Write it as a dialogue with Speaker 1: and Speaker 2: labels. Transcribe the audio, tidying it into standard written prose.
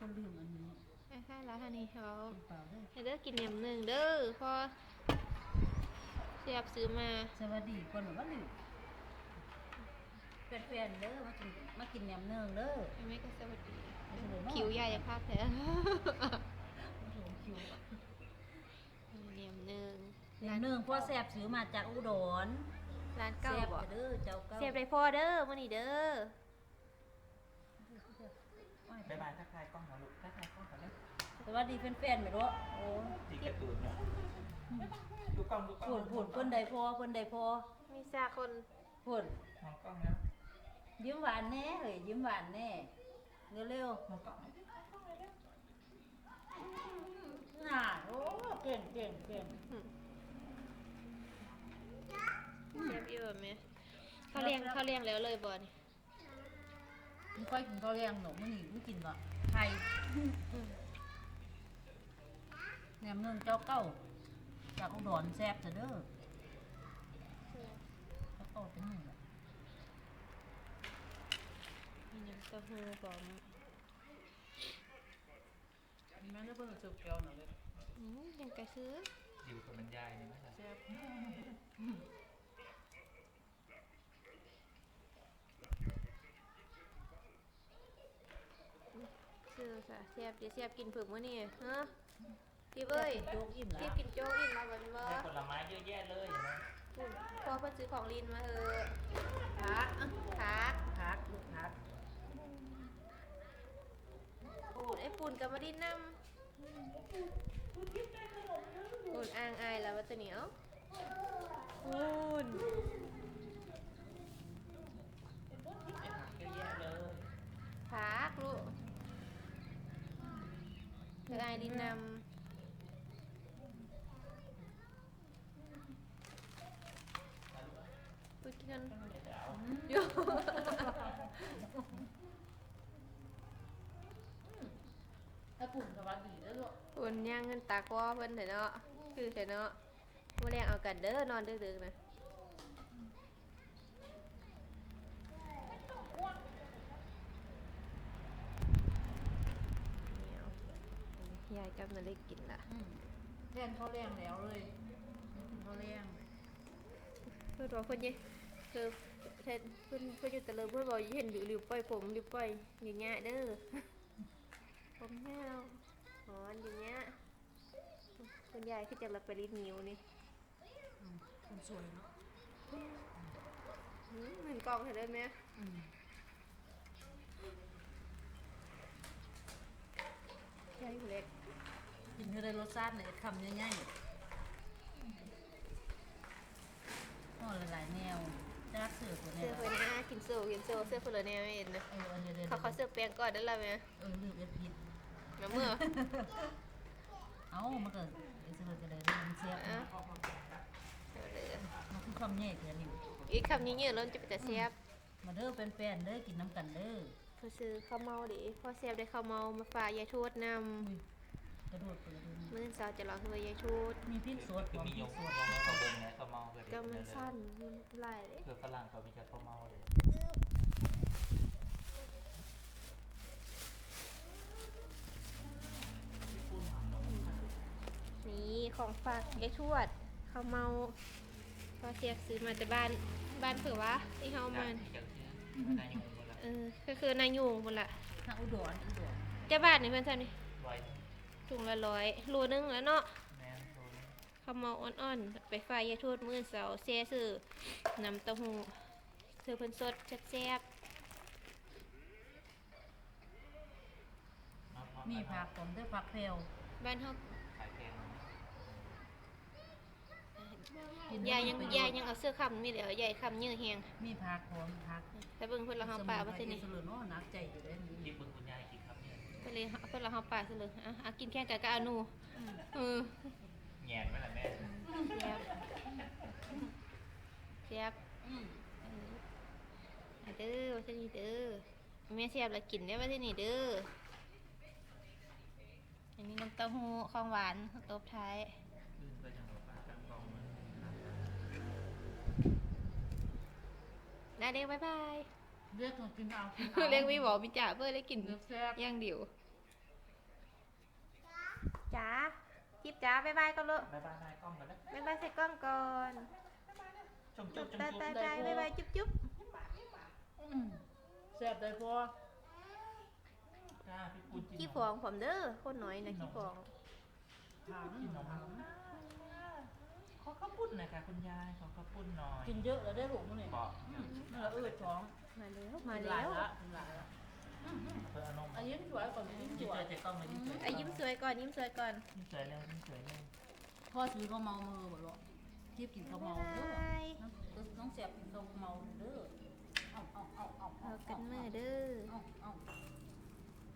Speaker 1: คนลืมอันนี้
Speaker 2: ค่ะแล้วท่านี้เขา
Speaker 1: เปล่าด้วย
Speaker 2: เด้อกินแหนมหนึ่งเด้อพอเสียบซื้อมา
Speaker 1: สวัสดีคนหรือว่าลืมแฟนๆเด้อมากินแหนมเนืองเด้อ
Speaker 2: ไม่ก็สวัสดี
Speaker 1: คิ
Speaker 2: คิวใหญ่ภาคแท้
Speaker 1: คิว
Speaker 2: แหนมหนึ่ง
Speaker 1: แหนมเนืองพ่อแซ่บซื้อมาจากอุดร
Speaker 2: ร้านเก่าบ่
Speaker 1: เด้อเจ้าเก่า
Speaker 2: เสียบได้พอเด้อมื้อนี้เด้อ
Speaker 3: บ๊ายบายทักทายกล้องหน่อยลูกทักทายกล้องก่อนเลย
Speaker 1: สวัสดีแฟนๆไม่รู้โอ้
Speaker 3: ดีกระตูนเนี่ยดูกล้องดูกล้อง
Speaker 1: พูดเพิ่นใดพอ
Speaker 2: มีซาคน
Speaker 1: พูด
Speaker 3: มองกล้องแล้ว
Speaker 1: ยิ้มหวานแน่เฮ้ยยิ้มหวานแน่เร็ว
Speaker 3: มองกล้อง
Speaker 1: ๆน่ะโอ้เก่ง
Speaker 2: เสียบอยู่ไหมเขาเลี้ยงแล้วเลยบ่นี่
Speaker 1: ไม่ค่อยกินข้าวแรงหนูมื้อนี้ไม่กินหรอกไข่แหนมเนืองเจ้าเก่าจากอุดรแซ่บเด้อเจ้าเก่าเป็นหนึ่งแหละ
Speaker 2: มีน้ำเต้าหู้พร้อม
Speaker 1: แม่ได้เพิ่งซื้อเกี๊ยวหน่อยเลย
Speaker 2: ยังกระซื้อ
Speaker 3: อยู่กับมันยายนี่ไหมล่ะ
Speaker 1: แซ่บ
Speaker 2: ซื้อค่ะเสียบกินเผือกมื้อนี้ฮะพี่เอ้ย
Speaker 1: โจ๊กอิ่มแล้ว
Speaker 2: พี่กินโจ๊กอิ่มแล้วบ่บ่
Speaker 3: ได้ผลไม้เยอะแยะเลยเห็นไหม
Speaker 2: พอเพิ่นซื้อของลินมา
Speaker 1: พัก
Speaker 2: ลูกพักไอ้ปุ่นกับมาดินนำปุ่นอ่างอายแล้วว่าตัวเหนียวปุ่น
Speaker 3: เยอะแยะเลย
Speaker 2: พักลูกเธออายดินนำพูดกันโย
Speaker 1: ถ้าปุ่นสวัสดีแล้วลูก
Speaker 2: ปุ่นย่างเงินตากว่าเพิ่นเถอะเนาะคือเถอะเนาะบ่แรงเอากันเด้อนอนดึกๆนะยายกำลังได้กินละ
Speaker 1: แทนข้าวแรงแล้วเลยกินข้าวแรง
Speaker 2: เพื่อนบอกเพื่อนยี่คือเพื่อนอยู่แต่เลยเพื่อนบอกเห็นหลิวปล่อยผมหลิวปล่อยอย่างเงี้ยเด้อผมแม่เราอ๋ออย่างเงี้ยคุณยายคือจะรับไปรีดนิ้วนี่
Speaker 1: คนสวยเนาะ
Speaker 2: เหมือนกองเห็นได้ไหมใช่เล็ก
Speaker 1: กินเท่าไรรสชาติเลยคำง่ายๆอ๋อหลายๆแนวจะรักเสือตัวแนว
Speaker 2: เสื้อเพื่อนนะกินโซ่เสื้อเพื่อนแนวเองนะเขาเสื้อแปลงก่อนได้แล้วไหม
Speaker 1: ลืมเอ็ดพิษ
Speaker 2: แล้วเมื่อ
Speaker 1: มันเกิดเสือกันเลยมันเสียบมันคือคำแย่เกินอยู่
Speaker 2: อีกคำนี้เนี่ยเราจะเป็นแต่เสียบ
Speaker 1: มาเด้อเป็นแฟนเด้อกินน้ำกันเด้อ
Speaker 2: เขาซื้อข้าวเมาดิพ่อเสียบได้ข้าวเมามาฝากยายทวดนำ
Speaker 1: กระโดดไปเลย
Speaker 2: มื้อเช้าจะลองให้ยายทวด
Speaker 1: มีพริกสด
Speaker 3: มียงสดเขาเบิ่งไงเขาเมาเลย
Speaker 2: ก็มันสั้นหลายเลย
Speaker 3: เพื่อฝรั่งเขามีแต่เขาเมาเลย
Speaker 2: นี่ของฝากยายทวดข้าวเมาพ่อเสียบซื้อมาจากบ้านเผื่อวะที่เฮามาก็คือนายยูงหมดละ
Speaker 1: ทางอุดร
Speaker 2: เจ้าบ้านนี่เพื่อนท่านนี่ถุงละ100โลนึงแล้วเนาะข้าวเมาอ่อนๆไปฝ่ายยายทวดมื้อเสาร์แซ่ซื้อน้ำเต้าหู้ซื้อเพิ่นสดแซ่บ
Speaker 1: มีผักผมด้วยผักเพลว
Speaker 2: บ้านเฮายายยังเอาเสื้อคำนี่เดี๋ยวยายคำเยอะแฮง
Speaker 1: มีผักผมผัก
Speaker 2: แต่เบิ่งเพิ่นละเฮาป่าว่าซั่นนี่
Speaker 1: สลุนโอ้นักใจอยู่เด้
Speaker 3: ที่เบิ่งคุณยายกินครับเนี่ย
Speaker 2: เพิ่นละเฮาป่าซะเลยกินแค่กับอานู
Speaker 3: แง่นไหมล่ะแม่
Speaker 2: เสียบเด้อว่าซั่นนี่เด้อแม่เสียบแล้วกินได้ว่าซั่นนี่เด้ออันนี้น้ำเต้าหู้ของหวานตบท้ายได้เด็กบ๊ายบาย
Speaker 1: เรียกกินเอา
Speaker 2: เรียกวิบอกมิจ่าเพื่อได้กินย่างเดียวจ๋าจิ๊บจ๋าบ๊ายบายก่อนลูก
Speaker 3: บายบายนายกล้องกันแล้ว
Speaker 2: บ๊ายบายใส่กล้องก่อน
Speaker 3: จุ๊บจุ๊บจุ๊บ
Speaker 2: ตาย
Speaker 3: จุ๊บ
Speaker 2: ตายตายบ๊ายบายจุ๊บจุ๊บ
Speaker 1: แซ่บได้พอ
Speaker 3: จ้าพี่ปูนกิน
Speaker 2: ขี้ฟองผมเด้อคนน้อยนะขี้ฟอง
Speaker 1: ถาม
Speaker 3: กินนมขอข้าวปุ้นหน่อยค่ะคุณยายขอข้าวปุ้นหน่อย
Speaker 1: กินเยอะแล้วได้ลูกมั้งเนี่ย
Speaker 3: บอก
Speaker 1: นั่นแหละท้อง
Speaker 2: มาแล้ว
Speaker 1: มา
Speaker 2: มา
Speaker 1: หลา
Speaker 2: แล้
Speaker 1: ยว ละหลายละ
Speaker 3: เพื่อเอานม
Speaker 1: อันยิ้มสวยก่อนยิ้มส
Speaker 3: ยิ้ม
Speaker 1: ว
Speaker 3: สวย ยเจ๊กล้องเลยยิ้มสวย
Speaker 2: อ่ะยิ้มสวยก่อนยิ้มสวยก่อน
Speaker 3: ยิ้มสวยเร็วยิ้มสวยเร็ว
Speaker 1: พ่อซื้อข้าวเมามือบ่ลูกทิพย์กินข้าวเมา
Speaker 2: บ๊าย
Speaker 1: เด้อบ
Speaker 2: าย
Speaker 1: น้องแซ่บกินข้าวเมาเด้อเอา
Speaker 2: เอากันเมื่อเด้อ
Speaker 1: เอา